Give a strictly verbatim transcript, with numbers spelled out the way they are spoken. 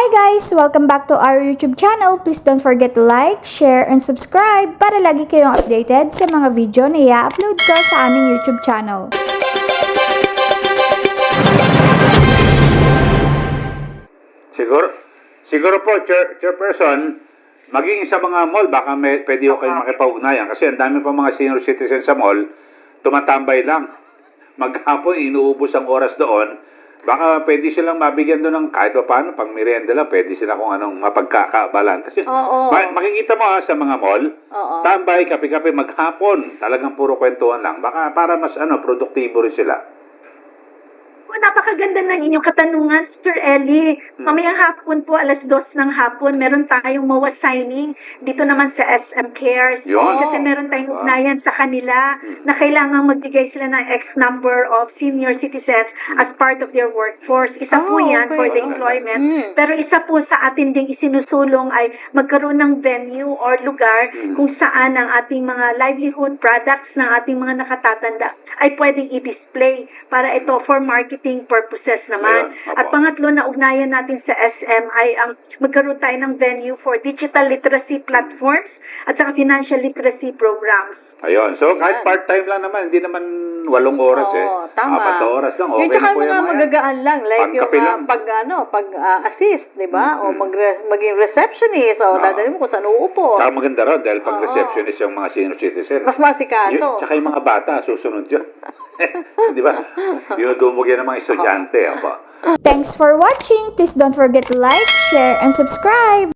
Hi guys! Welcome back to our YouTube channel. Please don't forget to like, share, and subscribe para lagi kayong updated sa mga video na i-upload ko sa aming YouTube channel. Siguro, siguro po, chair, chairperson, maging sa mga mall, baka may, pwede ko kayong makipag-ugnayan kasi ang dami pa mga senior citizens sa mall, tumatambay lang. Maghapon, inuubos ang oras doon. Baka pwede silang mabigyan doon ng kahit pa paano, pang merienda lang, pwede sila kung anong mapagkakaabalan. Oo. Ma- makikita mo ha, sa mga mall, Oo. tambay, kape-kape, maghapon, talagang puro kwentuhan lang. Baka para mas ano, produktibo rin sila. Oh, napakaganda ng inyong katanungan, Sir Ellie. Mamayang hapon po, alas dos ng hapon, meron tayong M O A signing dito naman sa S M Cares. Yun. Kasi meron tayong Wow. ugnayan sa kanila na kailangang magbigay sila ng X number of senior citizens as part of their workforce. Isa po Oh, yan okay. for the employment. Mm. Pero isa po sa atin ding isinusulong ay magkaroon ng venue or lugar kung saan ang ating mga livelihood products ng ating mga nakatatanda ay pwedeng i-display para ito for marketing purposes naman. Ayun, At apo. pangatlo na ugnayan natin sa S M ay ang magkaroon tayo ng venue for digital literacy platforms at saka financial literacy programs. Ayun. So, kahit Ayan. part-time lang naman, hindi naman walong oras eh. Oo, tama. Apat na oras lang. Okay Yung tsaka na po mga yan, mga yan. magagaan lang, like yung Pangkape ah, lang. pag, ano, pag ah, assist, di ba? O Mhm. mag maging receptionist, o Oo. dadalhin mo kung saan uupo. Tsaka maganda rin dahil pag Oo. receptionist yung mga senior citizen. Mas masikaso. Yun, tsaka yung mga bata, susunod yun. Di ba? Dinudumog yan ng mga estudyante. Apa. Thanks for watching! Please don't forget to like, share, and subscribe!